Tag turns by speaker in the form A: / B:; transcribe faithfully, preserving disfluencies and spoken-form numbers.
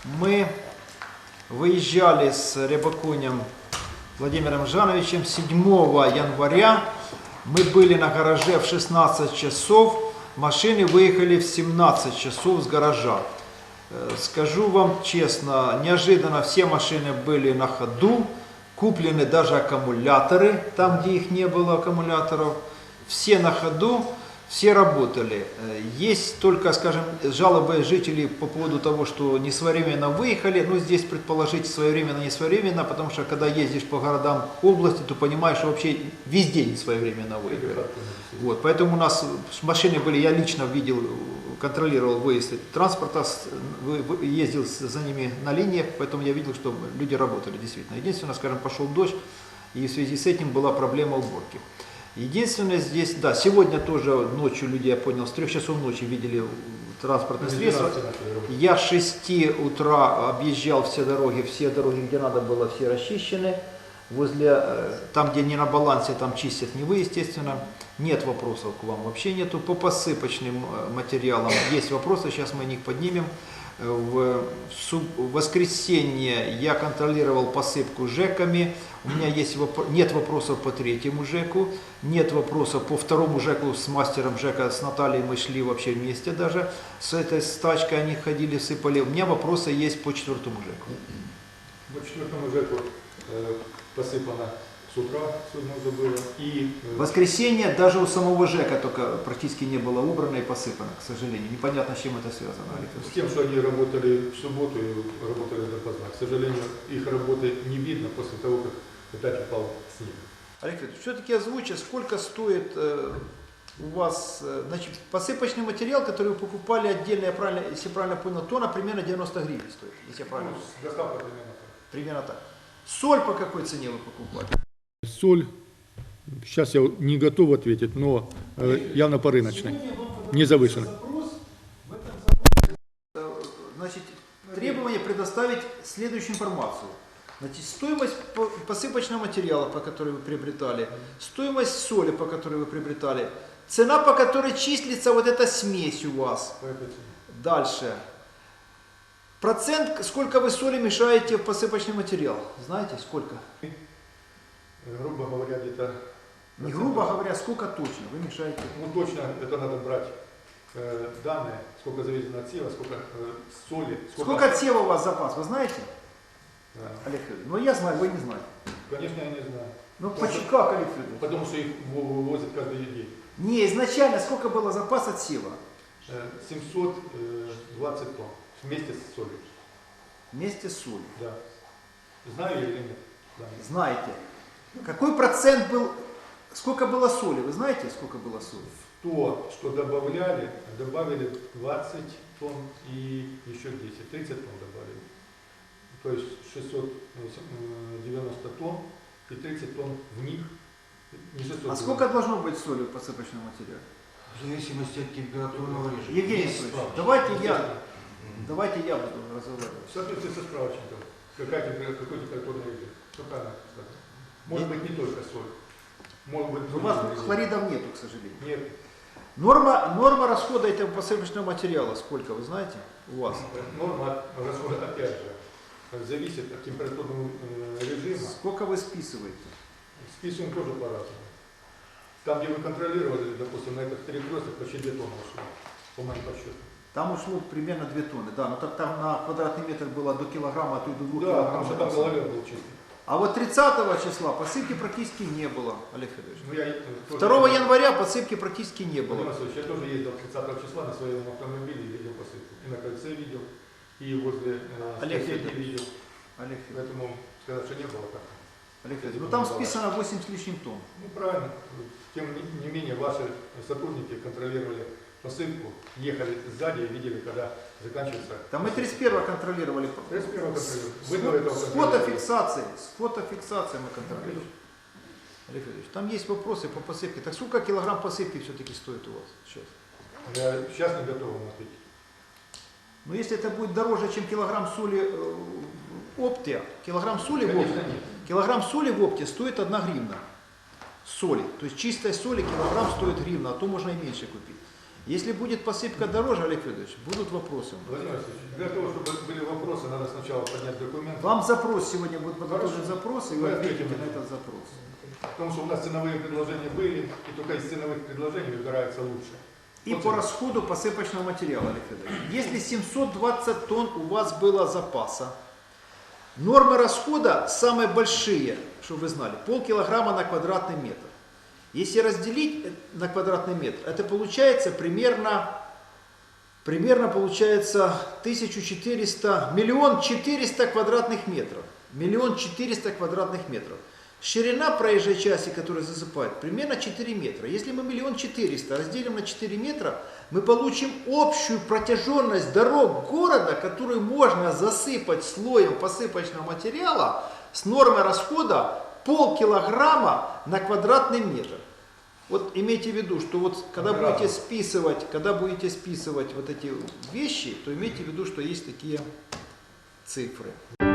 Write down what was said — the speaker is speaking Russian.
A: Мы выезжали с Рябоконем Владимиром Жановичем седьмого января. Мы были на гараже в шестнадцать часов, машины выехали в семнадцать часов с гаража. Скажу вам честно, неожиданно все машины были на ходу, куплены даже аккумуляторы, там где их не было аккумуляторов, все на ходу, все работали. Есть только, скажем, жалобы жителей по поводу того, что не своевременно выехали. Ну, здесь предположить своевременно, не своевременно, потому что когда ездишь по городам области, то понимаешь, что вообще везде не своевременно выехали. Вот, поэтому у нас машины были, я лично видел, контролировал выезд транспорта, ездил за ними на линиях, поэтому я видел, что люди работали действительно. Единственное, скажем, пошел дождь, и в связи с этим была проблема уборки. Единственное здесь, да, сегодня тоже ночью люди, я понял, с трех часов ночи видели транспортные средства. Я с шести утра объезжал все дороги, все дороги, где надо было, все расчищены. Возле, там, где не на балансе, там чистят не вы, естественно. Нет вопросов к вам, вообще нету. По посыпочным материалам есть вопросы, сейчас мы о них поднимем. В воскресенье я контролировал посыпку ЖЭКами. У меня есть воп... нет вопросов по третьему ЖЭКу, нет вопросов по второму ЖЭКу с мастером ЖЭКа, с Натальей мы шли вообще вместе даже. С этой стачкой они ходили, сыпали. У меня вопросы есть по четвертому ЖЭКу.
B: По четвертому ЖЭКу э, посыпано с утра, сегодня уже было. И, э...
A: воскресенье даже у самого ЖЭКа только практически не было убрано и посыпано, к сожалению. Непонятно, с чем это связано.
B: С тем, что они работали в субботу и работали допоздна. К сожалению, их работы не видно после того, как опять упал снег.
A: Олег Федорович, все-таки озвучьте, сколько стоит э, у вас, э, значит, посыпочный материал, который вы покупали отдельно, я правильно, если я правильно понял, тонна примерно девяносто гривен стоит, если я правильно понял.
B: Ну, доставка примерно так.
A: Примерно так. Соль по какой цене вы покупали?
B: Соль, сейчас я не готов ответить, но э, явно по рыночной, не завышенной.
A: Значит, требование предоставить следующую информацию. Значит, стоимость посыпочного материала, по которой вы приобретали, стоимость соли, по которой вы приобретали, цена, по которой числится вот эта смесь у вас. Дальше. Процент, сколько вы соли мешаете в посыпочный материал? Знаете, сколько?
B: Грубо говоря, где-то...
A: Не грубо говоря, сколько точно вы мешаете?
B: Ну, точно это надо брать э, данные, сколько завезено от сева, сколько э, соли.
A: Сколько, сколько от сева у вас запас, вы знаете?
B: Да.
A: Олег Федорович, ну я знаю, вы не знаете.
B: Конечно, я не знаю.
A: Ну почему, как, Олег Федорович?
B: Потому что их вывозят каждый день.
A: Не, изначально сколько было запас от сева?
B: семьсот двадцать тонн вместе с солью.
A: Вместе с солью?
B: Да. Знаю или нет? Да.
A: Знаете. Какой процент был, сколько было соли? Вы знаете, сколько было соли?
B: То, что добавляли, добавили двадцать тонн и еще десять, тридцать тонн добавили. То есть шестьсот девяносто тонн и тридцать тонн в них. Не шестьсот девяносто.
A: А сколько должно быть соли в посыпочном материале?
C: В зависимости от температурного режима.
A: Евгений Анатольевич, давайте я, давайте я буду разговаривать.
B: В соответствии со справочником, какая температура, какой температурный режим. Что правильно сказать? Может быть не только соль. Может быть,
A: у вас хлоридов нету, к сожалению.
B: Нет.
A: Норма, норма расхода этого посыпочного материала сколько, вы знаете, у вас?
B: Норма расхода, опять же, зависит от температурного режима.
A: Сколько вы списываете?
B: Списываем тоже по-разному. Там, где вы контролировали, допустим, на этих перекрестках почти две тонны ушло, по моим подсчетам.
A: Там ушло примерно две тонны, да, но так там на квадратный метр было до килограмма, а то и до двух
B: да,
A: килограммов.
B: потому что там головер был чистый.
A: А вот тридцатого числа посыпки практически не было, Олег Федорович.
B: Ну, я,
A: второго января посыпки практически не было.
B: Владимир, я тоже ездил тридцатого числа на своем автомобиле и видел посыпку. И на кольце видел, и возле э,
A: Олег
B: Федорович видел.
A: Олег Федорович.
B: Поэтому сказать, что не было так.
A: Олег Федорович, ну там списано восемь с лишним тонн.
B: Ну правильно. Тем не менее, ваши сотрудники контролировали посылку, ехали сзади и видели, когда заканчивается.
A: Там мы тридцать первого контролировали.
B: тридцать первого контролировали.
A: С,
B: Вы до этого
A: с фотофиксацией, с фотофиксацией мы контролируем. Олег Федорович, там есть вопросы по посыпке. Так сколько килограмм посыпки все-таки стоит у вас сейчас?
B: Я сейчас не готов вам ответить.
A: Но если это будет дороже, чем килограмм соли э, в опте, килограмм соли в опте, килограмм соли в опте стоит одна гривна. Соли. То есть чистой соли килограмм стоит гривна, а то можно и меньше купить. Если будет посыпка дороже, Олег Федорович, будут вопросы.
B: Владимир Васильевич, для того, чтобы были вопросы, надо сначала поднять документы.
A: Вам запрос сегодня будет подготовлен
B: Хорошо.
A: запрос, и
B: Мы
A: вы ответите
B: ответим.
A: на этот запрос.
B: Потому что у нас ценовые предложения были, и только из ценовых предложений выбирается лучше.
A: И
B: Вот
A: по
B: это.
A: расходу посыпочного материала, Олег Федорович. Если семьсот двадцать тонн у вас было запаса, нормы расхода самые большие, чтобы вы знали, полкилограмма на квадратный метр. Если разделить на квадратный метр, это получается примерно, примерно получается тысяча четыреста, миллион четыреста квадратных метров. Миллион четыреста квадратных метров. Ширина проезжей части, которая засыпает, примерно четыре метра. Если мы миллион четыреста разделим на четыре метра, мы получим общую протяженность дорог города, которую можно засыпать слоем посыпочного материала с нормой расхода полкилограмма на квадратный метр. Вот имейте в виду, что вот когда
B: Браво.
A: будете списывать, когда будете списывать вот эти вещи, то имейте в виду, что есть такие цифры.